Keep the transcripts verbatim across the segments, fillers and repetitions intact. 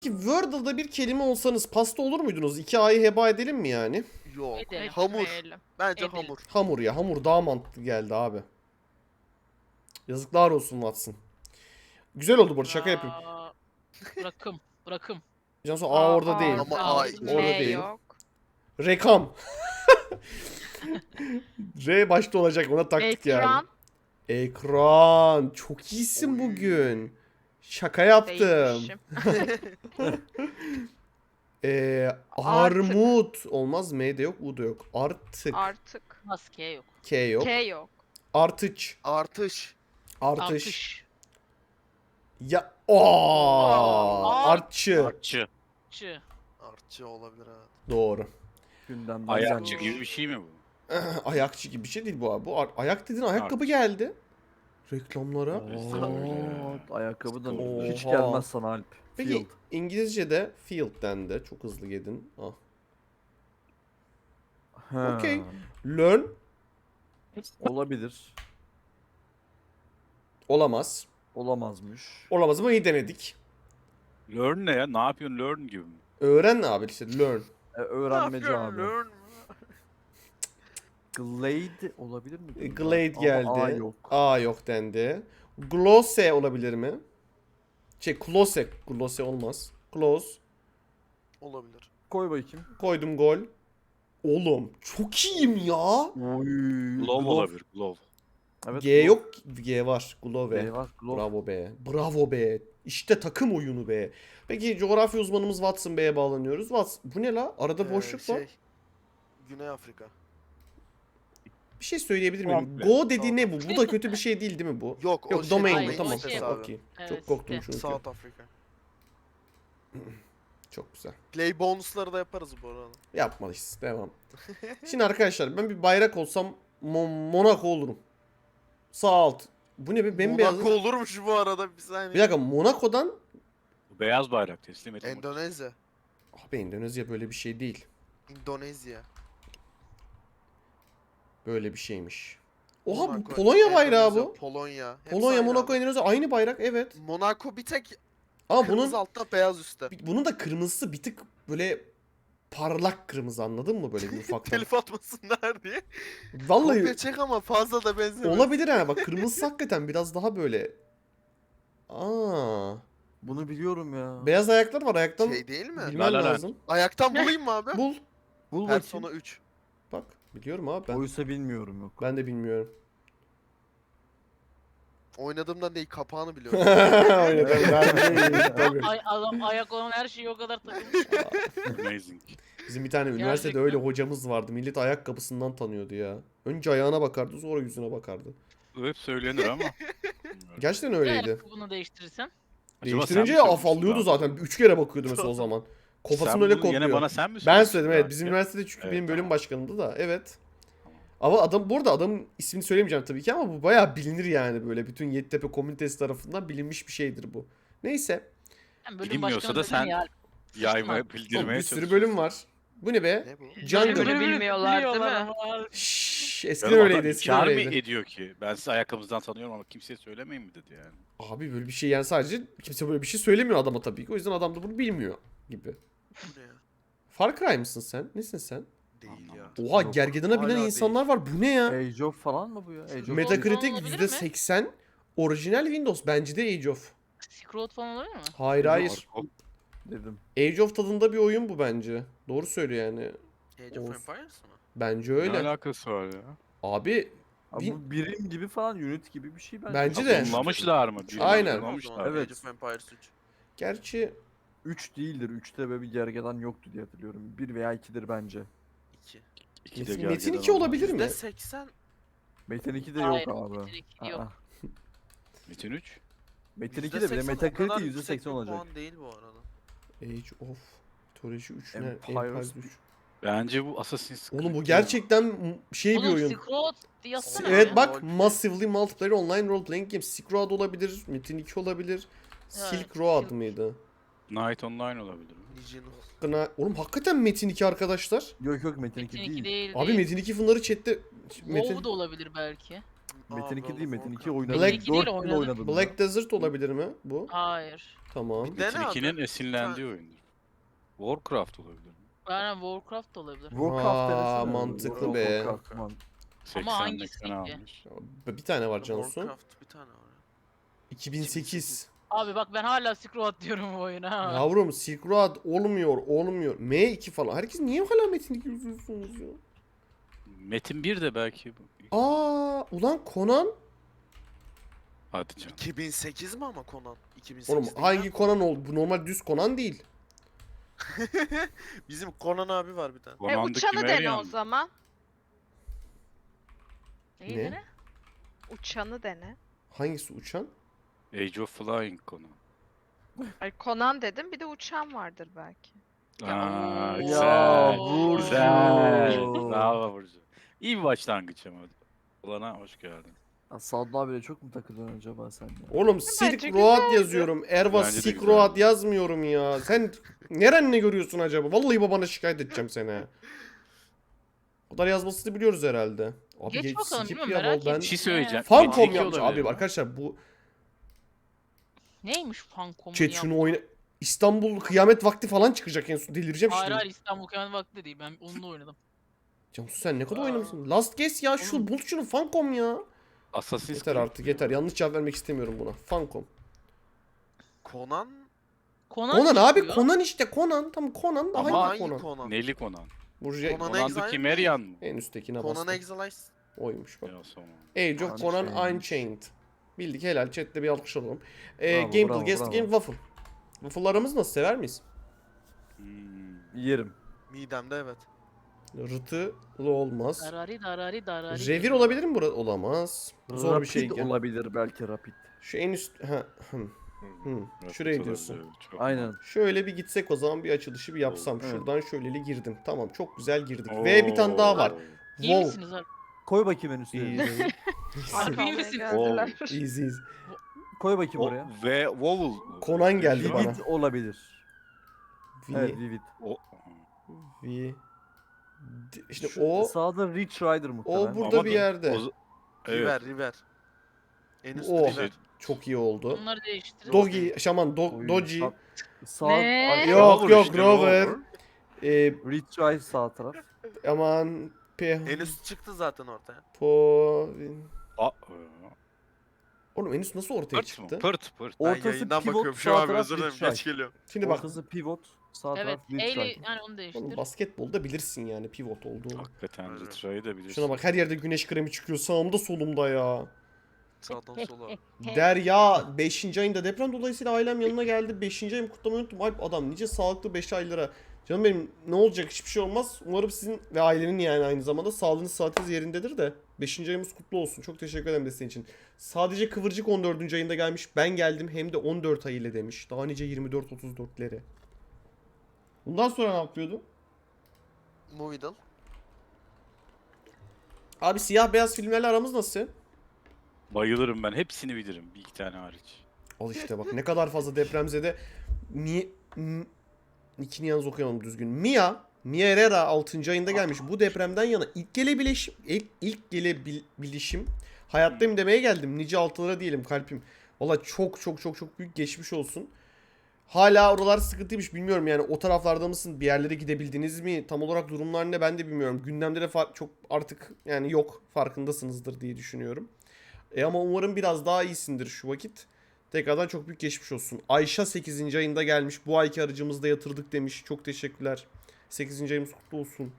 Wordle'da bir kelime olsanız pasta olur muydunuz? iki A'yı heba edelim mi yani? Yok. Edelim. Hamur. Etmeyelim. Bence Edelim. hamur. Hamur ya. Hamur daha mantıklı geldi abi. Yazıklar olsun Watson. Güzel oldu bu arada, şaka yapayım. Aa, Bırakım. Bırakım. Cansu A orada değil. Ama Aa, A orada M değil. yok. Rekam. R başta olacak, ona taktık yani. Ekran. Ekran. Çok iyisin Oy. bugün. Şaka yaptım. Değilmişim. Ee, Artık. armut. Olmaz, M de yok, U da yok. Artık. Artık. Maske yok. K yok. K yok. Artıç. Artış. Artış. Artış. Ya ooo. Aa. Artçı. Artçı. Çı. Artçı olabilir ha. Doğru. Gündemden Ayakçı gelmiş. gibi bir şey mi bu? Ayakçı gibi bir şey değil bu abi. Bu ar- ayak dediğin ayakkabı Artık. geldi. Reklamlara. Oo, ayakkabı da Oha. hiç gelmez sana Alp. Peki Field. İngilizce'de field dendi. Çok hızlı yedin. Ah. Ha, Okey. Learn olabilir. olamaz. Olamazmış. Olamaz ama iyi denedik. Learn ne ya? Ne yapıyorsun learn gibi mi? Öğren ne abi işte, learn. E, öğrenmeci Ne abi. yapıyorsun, learn mü? Glade olabilir mi? E, Glade Ama geldi. A yok. A yok dendi. Glosse olabilir mi? Şey, close. Glosse olmaz. Close. Olabilir. Koy bakayım. Koydum gol. Oğlum çok iyiyim ya. Oy. Glove olabilir. Glove. Evet, G glove. yok. G var. Glove. G var. Glove. Bravo be. Bravo be. İşte takım oyunu be. Peki coğrafya uzmanımız Watson Bey'e bağlanıyoruz. Watson, bu ne la? Arada Ee, boşluk var. şey, Güney Afrika. Bir şey söyleyebilir miyim? Komple. Go dediği ne bu? Bu da kötü bir şey değil değil mi bu? Yok, o Yok, şey domain Hayır, bu, o tamam. şey- Tamam, okey. Evet, Çok korktum işte. çünkü. South Africa. Çok güzel. Play bonusları da yaparız bu arada. Yapmalıyız. Devam. Şimdi arkadaşlar, ben bir bayrak olsam Mo- Monaco olurum. Sağ alt. Bu ne be? Bembeyaz. Monaco olurmuş bu arada bir saniye. Bir dakika, Monaco'dan... Bu beyaz bayrak teslim et. Endonezya. Abi Endonezya böyle bir şey değil. Endonezya. Böyle bir şeymiş. Oha, bu Monaco, Polonya bayrağı Endonezya, bu. Polonya. Hepsi Polonya, aynı Monaco, abi. Endonezya aynı bayrak, evet. Monaco bir tek Ama kırmızı bunun altta beyaz üstte. bunun da kırmızısı bir tık böyle parlak kırmızı, anladın mı, böyle bir ufaktan. Telif atmasınlar diye. Vallahi Kopya çek ama fazla da benzemiyor. olabilir ha, bak kırmızısı hakikaten biraz daha böyle. Aa, Bunu biliyorum ya. beyaz ayaklar var, ayaktan Şey değil mi? bilmen La La Land. lazım. Ayaktan bulayım mı abi? Bul. Bul bakayım. Persona üç. Bak biliyorum abi ben. Oysa bilmiyorum yok. Ben de bilmiyorum. Oynadığımdan değil, kapağını biliyorum. Oynadım ben de, tabii. Ay, adam ayak olan her şeyi o kadar takılmış. Amazing. Bizim bir tane üniversitede Gerçekten. öyle hocamız vardı. Millet ayakkabısından tanıyordu ya. Önce ayağına bakardı, sonra yüzüne bakardı. Bu hep söylenir ama. Gerçekten Ne öyleydi. ayakkabını değiştirirsen? Acaba Değiştirince sen mi afallıyordu söylemiştin zaten. Üç kere bakıyordu mesela o zaman. abi? Kafasını Sen öyle bunu kopuyor. Yine bana sen mi Ben söylemiştin söyledim, evet. abi? Bizim üniversitede çünkü Evet, benim bölüm tamam. başkanımdı da. Evet. Ama adam, burada adamın ismini söylemeyeceğim tabii ki, ama bu bayağı bilinir yani, böyle bütün Yeditepe komünitesi tarafından bilinmiş bir şeydir bu. Neyse. Hem bölüm Bilinmiyorsa başkanı da dedin sen ya. Yaymaya, Oğlum, bildirmeye bir sürü çalışıyorsun. bölüm var. Bu ne be? Ne bu? Jungle. Bölümü bilmiyorlar değil mi? Şşş, eskiden Canım öyleydi, adam eskiden inkar mı öyleydi. ediyor ki? Ben sizi ayakkabınızdan tanıyorum ama kimseye söylemeyin mi dedi yani. Abi böyle bir şey yani, sadece kimse böyle bir şey söylemiyor adama tabii ki. O yüzden adam da bunu bilmiyor gibi. Bu ne ya? Far Cry mısın sen? Nesin sen? Değil ya. Oha, Yok, gergedana binen hala insanlar var. Bu ne ya? Age of falan mı bu ya? Age of Meta- Metacritic olabilir yüzde mi? seksen. Orijinal Windows. Bence de Age of. Silk Road falan olabilir mi? Hayır hayır. dedim. Age of tadında bir oyun bu bence. Doğru söylüyor yani. Age of Of. Empires mı? Bence Ne öyle. alakası var ya? Abi Abi Win- bu birim gibi falan, unit gibi bir şey bence. Bence de. Zoomlamışlar mı? Birini Aynen. zoomlamışlar. Evet. Age of Empires üç. gerçi üç değildir. üçte böyle bir gergedan yoktu diye hatırlıyorum. bir veya ikidir bence. iki. İki de Metin, gergedan Metin iki oldu. olabilir mi? yüzde seksen Metin iki de Hayır, yok abi. Metin iki yok. Aa, Metin üç. Metin iki yüzde de bile seksen o kadar Metacritic yüzde yüksek seksen bir olacak. puan değil bu arada. Age of Mythology üç ne? Empires Empires üç. Bence bu Assassin's Creed. Oğlum bu gerçekten m- şey bir Oğlum oyun. Silk Road yazsana. Evet ya. bak, Role Massively Multiplayer Online Role Playing Game. Silk Road olabilir, Metin iki olabilir. Silk Road Silk- mıydı? Night Online olabilir mi? Legion. Gına... Oğlum hakikaten Metin iki arkadaşlar. Yok yok Metin iki Metin iki değil. değil. Abi değil. Metin iki fınları chatte... WoW Metin... da olabilir belki. Metin iki World değil of Metin iki Warcraft. oynadım. Black- dört değil, yıl oynadım. oynadım. ben. Black Desert olabilir mi bu? Hayır. Tamam. Bir dene Metin ikinin abi. esinlendiği oyundur. Warcraft olabilir mi? Aynen Warcraft da olabilir. Warcraft Aa, denesene. mantıklı World of be. Warcraft, man. seksen hangisi eksen ki? almış. Bir tane var Cansu. Warcraft bir tane var. iki bin sekiz. Abi bak ben hala Scroll diyorum bu oyuna. ha. Yavrum Silk Road olmuyor, olmuyor. M iki falan. Herkes niye hala Metin iki yazıyorsunuz ya? Metin bir de belki. Aa, ulan Conan. Hadi canım. iki bin sekiz mi ama Conan? iki bin sekiz Oğlum değil hangi ya Conan oldu? Bu normal düz Conan değil. Bizim Conan abi var bir tane. E Conan'daki uçanı dene Marian o mı? zaman. Neyi Ne? dene? Uçanı dene. Hangisi uçan? Age of Flying Conan. Ay Conan dedim bir de uçan vardır belki. Aa, oo. güzel. Ya Burcu. Güzel. Burcu. Bravo Burcu. İyi bir başlangıç ama. Olana hoş geldin. Ya Sadlı abiyle çok mu takılıyorsun acaba sen ya? Oğlum Silk Bence Road güzeldi. yazıyorum. Erva Bence de Silk güzeldi. Road yazmıyorum ya. Sen neren ne görüyorsun acaba? Vallahi babana şikayet edeceğim seni. ha. O kadar yazmasını biliyoruz herhalde. Abi Geç geç bakalım, skip bilmiyorum, ya merak vallahi ben. Bir şey söyleyeceğim. Funcom Metin iki yapmış olabilir abi mi? arkadaşlar bu Neymiş Funcom'un chat şunu oyna İstanbul kıyamet vakti falan çıkacak en son delireceğim Hayır şimdi. hayır İstanbul Kıyamet Vakti değil. Ben onunla oynadım. Cansu sen ne kadar Aa. oynamışsın? Last Guess ya şu Oğlum. bul şunu Funcom ya. Assassin's Yeter Creed artık yeter. Yanlış cevap vermek istemiyorum buna. Funcom. Conan? Conan, Conan abi çıkıyor. Conan işte Conan. Tam Conan da Ama hangi Hangi Conan? Conan? Neli Conan. Burcu Conan Conan'daki Exile Marian mı? en üsttekine Conan bastım. Exiles. Oymuş bak. Ya, tamam. Age of Conan Unchained. Unchained. Bildik helal. Chat'te bir alkış alalım. Ee, Bravo, Gameplay bravo, Guest bravo. Game Waffle. Waffle'larımız nasıl sever miyiz? Hmm. Yerim. Midemde evet. Rıtılı olmaz. Darari darari darari. Revir olabilir mi burada? Olamaz. Zor Rapid bir şey. gel. olabilir belki rapid. Şu en üst... Ha, hmm. Hmm, Rapid şuraya olabilir, diyorsun. çok Aynen. Şöyle bir gitsek o zaman bir açılışı bir yapsam. Evet. Şuradan şöyleli girdim. Tamam çok güzel girdik. Oo. Ve bir tane daha var. İyi Wow. misiniz abi? Koy bakayım en üstüne. Easy. Harbi iyi Almaya misiniz? geldiler. Easy. Koy bakayım O, oraya. ve Vowel. Conan geldi Vivid. bana. Vivid olabilir. V, Evet Vivid. O, V. D- İşte Şu o sağda Reach Rider muhtemelen. o burada Ama bir da- yerde. o- evet. River, River. En üstte O. River. Çok iyi oldu. Bunları değiştirin. Dogi, şaman, do, Oy, Doji. sağ- Sağ, Ne? Ay, Yok Rover yok işte, Rover. Rover. Ee, Reach Rider sağ taraf. aman pe En üst çıktı zaten ortaya. po A, Oğlum en üst nasıl ortaya pırt çıktı? mı? Pırt pırt. Ben Ortası yayından pivot, bakıyorum şu sağ an taraf özür dilerim Reach geç Rider. geliyorum. Şimdi bak Ortası pivot, sağ Evet. taraf Reach Eyle Rider. yani onu değiştir. oğlum basketbolda bilirsin yani pivot olduğunu. Hakikaten Aynen. Retra'yı da bilirsin. Şuna bak her yerde güneş kremi çıkıyor sağımda solumda ya. Sağdan sola. Derya beşinci ayında deprem dolayısıyla ailem yanına geldi. beşinci ayımı kutlamayı unuttum. Alp adam nice sağlıklı beş aylara. Canım benim ne olacak hiçbir şey olmaz. Umarım sizin ve ailenin yani aynı zamanda sağlığınız saatiniz yerindedir de. beşinci ayımız kutlu olsun. Çok teşekkür ederim desteğin için. Sadece Kıvırcık on dördüncü ayında gelmiş. Ben geldim hem de on dört ay ile demiş. Daha nice yirmi dört otuz dörtleri. Bundan sonra ne yapıyordu? Movidal. Abi siyah beyaz filmlerle aramız nasıl? Bayılırım ben. Hepsini bilirim. Bir iki tane hariç. Al işte bak ne kadar fazla depremzede mi m- ikini yalnız okuyamam düzgün. Mia Mia Herrera altıncı ayında gelmiş. Bu depremden yana ilk gelebilişim ilk, ilk gelebilişim hayattayım demeye geldim. Nice altılara diyelim kalbim. Valla çok çok çok çok büyük geçmiş olsun. Hala oralar sıkıntıymış bilmiyorum yani o taraflarda mısın? Bir yerlere gidebildiniz mi? Tam olarak durumlar ne ben de bilmiyorum. Gündemde de fa- çok artık yani yok farkındasınızdır diye düşünüyorum. E ama umarım biraz daha iyisindir şu vakit. Tekrardan çok büyük geçmiş olsun. Ayşe sekizinci ayında gelmiş. Bu ayki aracımızda yatırdık demiş. Çok teşekkürler. sekizinci ayımız kutlu olsun.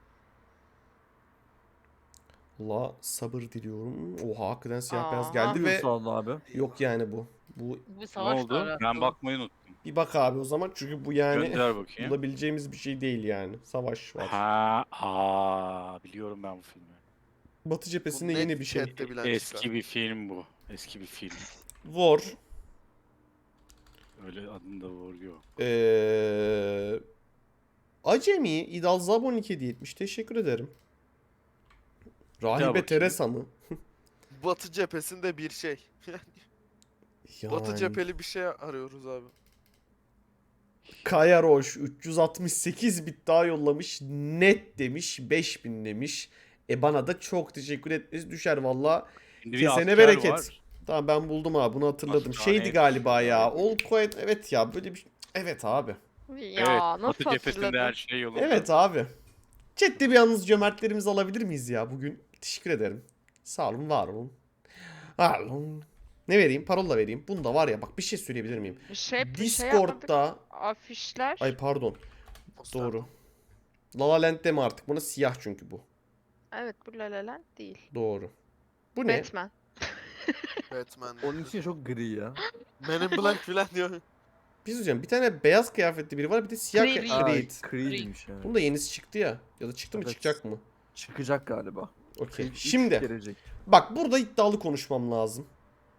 Allah sabır diliyorum. Oha hakikaten siyah beyaz Aa. geldi ve Sağ abi. yok yani bu. Bu Bir Ne savaş oldu? var. Ben bakmayı unuttum. bir bak abi o zaman çünkü bu yani Gönder bakayım. bulabileceğimiz bir şey değil yani. Savaş var. Ha, aa, biliyorum ben bu filmi. Batı cephesinde Bu net yeni bir şey. chatte bilen Eski çıkar. bir film bu. Eski bir film. War. Öyle adında var yok. Ee, Acemi İdal Zabon iki hediye etmiş. Teşekkür ederim. Rahibe bakayım. Teresa mı? Batı cephesinde bir şey. Batı Yani. cepheli bir şey arıyoruz abi. Kaya Roş üç yüz altmış sekiz bit daha yollamış. Net demiş. beş bin demiş. E bana da çok teşekkür etmesi düşer valla. Şimdi bir Kesene asker bereket. var. Tamam ben buldum abi bunu hatırladım. Asker, Şeydi evet. galiba ya. All quiet evet ya böyle bir evet abi. Ya Evet. nasıl Batı cephesinde hatırladın? her şey yolunda. Evet abi. Chat'te bir yalnız cömertlerimizi alabilir miyiz ya bugün? Teşekkür ederim. Sağ olun, var olun. Var olun. Ne vereyim? Parola vereyim. Bunda var ya bak bir şey söyleyebilir miyim? Bir şey, bir şey yapmadık. Discord'da Afişler. ay pardon. Poster. Doğru. La La Land'de mi artık? Buna siyah çünkü bu. Evet bu La La Land değil. Doğru. Bu ne? Batman. Batman. Onun için çok gri ya. Men in Black falan diyor. Bir şey söyleyeceğim. Bir tane beyaz kıyafetli biri var. Bir de siyah Creed. kıyafetli. Aa, Creed. Creed'miş yani. Bunun da yenisi çıktı ya. Ya da çıktı mı Evet. çıkacak mı? Çıkacak galiba. Okey. Creed üç Şimdi gelecek. bak burada iddialı konuşmam lazım.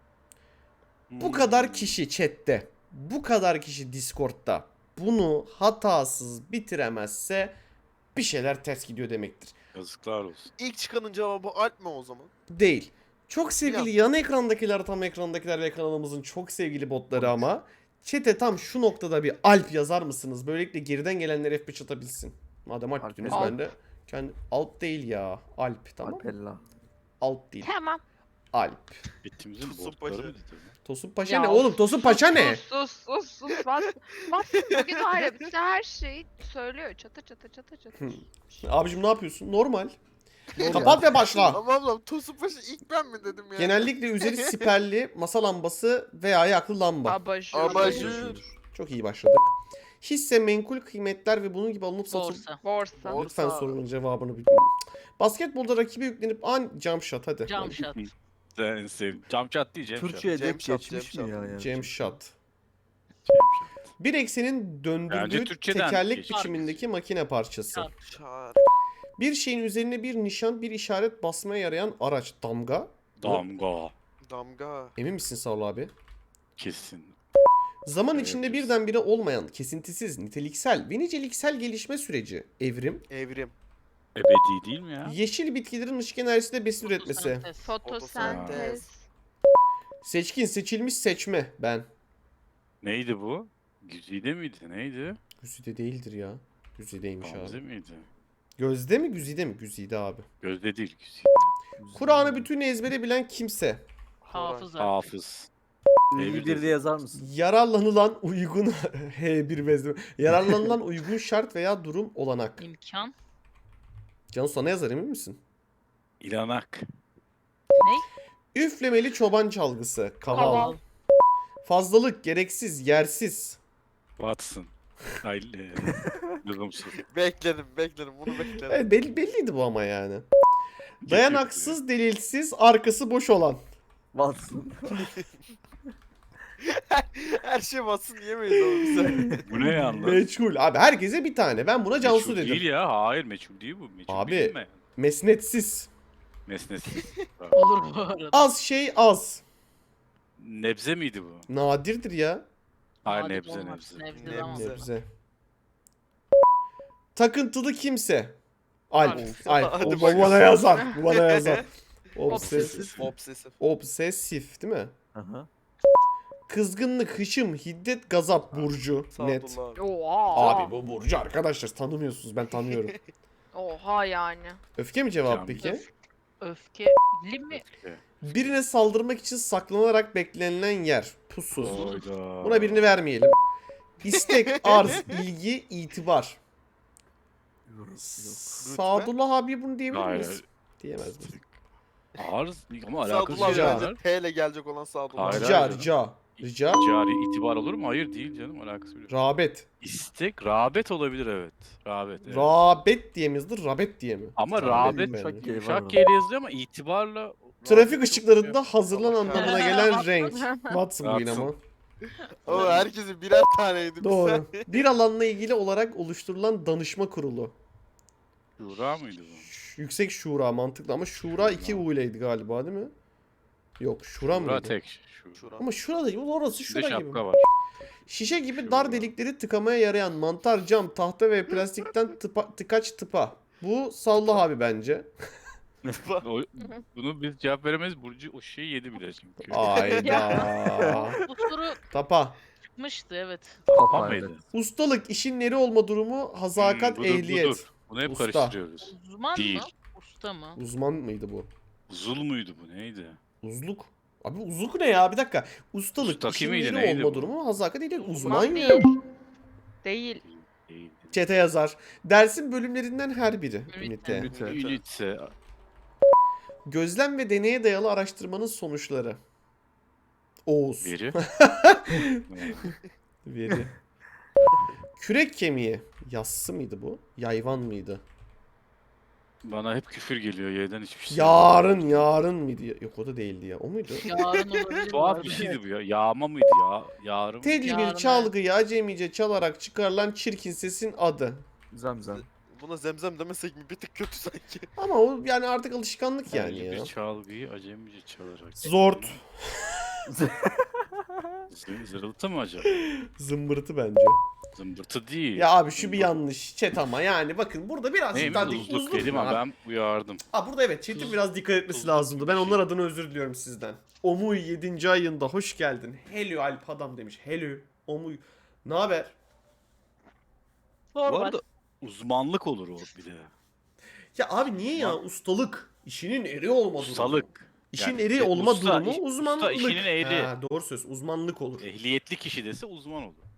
Bu Hmm. kadar kişi chatte, bu kadar kişi Discord'da bunu hatasız bitiremezse bir şeyler ters gidiyor demektir. Yazıklar olsun. İlk çıkanın cevabı Alp mi o zaman? Değil. Çok sevgili Ya. yan ekrandakiler, tam ekrandakiler ve kanalımızın çok sevgili botları ama chat'e tam şu noktada bir Alp yazar mısınız? Böylelikle geriden gelenler F beş atabilsin. Madem Alp Alp dediniz Alp. ben de kendi Alp değil ya. Alp tamam. Alpella. Alp değil. Tamam. Alp. Bitimizin Tosun botları Paşa. mı dedi? Tosun Paşa Ya ne of, oğlum? Tosun sus, Paşa ne? Sus sus sus sus. Wat- Watson bugün var ya bize her şeyi söylüyor. Çatır çatır çatır çatır. Abicim ne yapıyorsun? Normal. Kapat ve başla. Ama ablam Tosun Paşa ilk ben mi dedim ya? Genellikle üzeri siperli masa lambası veya yaklı lamba. Abajur. Abajur. Çok iyi başladık. Hisse, menkul kıymetler ve bunun gibi alınıp satılıp... Borsa. Borsa. Borsa. Lütfen sorunun cevabını bilin. Basketbolda rakibe yüklenip an jump shot hadi. Cam shot. Sen en sevdiğim. Camçat değil Cem Türkçe'ye Cem dek Shot, geçmiş Cem mi ya Shot. yani? Jam shot. Camçat. Bir eksenin Bence döndürdüğü Türkçeden tekerlek geçmiş. biçimindeki makine parçası. Çarp. Çağır. Bir şeyin üzerine bir nişan, bir işaret basmaya yarayan araç. Damga. Damga. Damga. Emin misin Saul abi? Kesin. Zaman Evet, içinde kesin. birdenbire olmayan, kesintisiz, niteliksel ve niceliksel gelişme süreci. Evrim. Evrim. Ebedi değil mi ya? Yeşil bitkilerin ışık enerjisiyle besin üretmesi. Fotosentez. Fotosentez. Seçkin, seçilmiş, seçme. Ben. Neydi bu? Güzide miydi? Neydi? Güzide değildir ya. Güzideymiş Gamze abi. miydi? Gözde mi güzide mi? Güzide abi. Gözde değil güzide. Kur'an'ı bütün ezbere bilen kimse. Hafız artık. Hafız. Ünlü bir de yazar mısın? Yararlanılan uygun H bir bezme. Yararlanılan uygun şart veya durum olanak. İmkan. Cansu sana yazar emin misin? İlanak. Üflemeli çoban çalgısı. Kaval. Kaval. Fazlalık, gereksiz, yersiz. Watson. Hayır. Lüzumsuz. Bekledim bekledim bunu bekledim. Evet, belli, belliydi bu ama yani. Dayanaksız, delilsiz, arkası boş olan. Watson. Her şey batsın yemeyiz oğlum bize. Bu ne yalnız? Meçhul. Abi herkese bir tane. Ben buna Cansu Meçhul dedim. değil ya. Hayır meçhul değil bu. Meçhul Abi. değil mi? Mesnetsiz. Mesnesiz. Olur bu arada. Az şey az. Nebze miydi bu? Nadirdir ya. Hayır Nadir nebze olmaz. nebze. Nebze Nebze. tamam. Nebze. Takıntılı kimse. Alp. Alp. Alp. Hadi O, bu bakalım. bana yazar. Bu bana yazar. Obsesif. Obsesif. Obsesif değil mi? Aha. Kızgınlık, hışım, hiddet, gazap, burcu. Net. Sadullah abi. Oha. Abi bu burcu arkadaşlar tanımıyorsunuz ben tanıyorum. Oha yani. Öfke mi cevap Can- peki? Öfkeli mi? Birine saldırmak için saklanarak beklenilen yer. Pusu. Hayda. Buna birini vermeyelim. İstek, arz, ilgi, itibar. Yok, yok. Sadullah abi bunu diyebilir miyiz? Hayır. Diyemez miyiz? Arz ama alakası Sadullah Rica. abi bence T ile gelecek olan Sadullah. Hayır, Rica, hayır. rica. Rica. Cari itibar olur mu? Hayır değil canım alakası yok. Rağbet. İstek, rağbet olabilir evet. Rağbet. Evet. Rağbet diye mi yazılır, rabet diye mi? Ama Tamam, rağbet benim ben de. G var yumuşak orada. G ile yazılıyor ama itibarla... Trafik ışıklarında hazırlan Allah anlamına kahretsin. gelen renk. Watson bu yine ama. O herkesin birer taneydi. Doğru. Bir alanla ilgili olarak oluşturulan danışma kurulu. Şura mıydı bu? Ş- Yüksek Şura mantıklı ama Şura iki U ileydi galiba değil mi? Yok Şura Şura mıydı? tek. Şura. Şura. Ama Şura değil orası Bir de Şura gibi. şapka var. Şişe gibi Şura. dar delikleri tıkamaya yarayan mantar, cam, tahta ve plastikten tıpa, tıkaç tıpa. Bu Sallah abi bence. O- bunu biz cevap veremeyiz. Burcu o şeyi yedi bile çünkü. Ayda. Bu soru Tapa. çıkmıştı evet. Tamam Tamam mıydı? Ustalık, işin neri olma durumu, hazakat, Hmm, budur, ehliyet. budur. Bunu hep Usta. karıştırıyoruz. Uzman Değil. mı? Usta mı? Uzman mıydı bu? Zul muydu bu neydi? Uzluk. Abi uzluk ne ya? Bir dakika. Ustalık, Ustaki işin miydi, yeri neydi olma bu? durumu, hazakat değil. Uzman Uzman ya. değil. Değil. Değil. Çete yazar. Dersin bölümlerinden her biri. Ünite. Ünite. Ünite. Ünite. Gözlem ve deneye dayalı araştırmanın sonuçları. Oğuz. Veri. Veri. Kürek kemiği. Yassı mıydı bu? Yayvan mıydı? Bana hep küfür geliyor yerden hiçbir şey. Yarın, yarın mıydı? Yok o da değildi ya. O muydu? Yarın olabilir. bu Tuhaf arada. bir şeydi bu ya. Yağma mıydı ya? Yarım. Telli Yarın, bir çalgıyı acemice çalarak çıkarılan çirkin sesin adı. Zemzem. Buna zemzem demesek mi? Bir tık kötü sanki. Ama o yani artık alışkanlık yani Telli ya. bir çalgıyı acemice çalarak. Zort. Z- Zırıltı mı acaba? Zımbırtı bence. Zımbırtı değil. Ya abi şu bir yanlış chat ama yani bakın burada birazcık Neymiş daha dik- uzluk uzluk dedim var. ama ben uyardım. Ha burada evet chat'in Tuz- biraz dikkat etmesi tuzluk lazımdı. gibi Ben bir onlar şey. adına özür diliyorum sizden. Omuy yedinci ayında hoş geldin. Hello Alp adam demiş. Hello Omuy. Ne haber? Bu Normal. arada uzmanlık olur o bir de. Ya abi niye ya ustalık? İşinin eri olma durumu. Ustalık. İşin Yani eri e, olma usta, durumu iş- usta uzmanlık. işinin eri. Ha, doğru söz uzmanlık olur. Ehliyetli kişi dese uzman olur.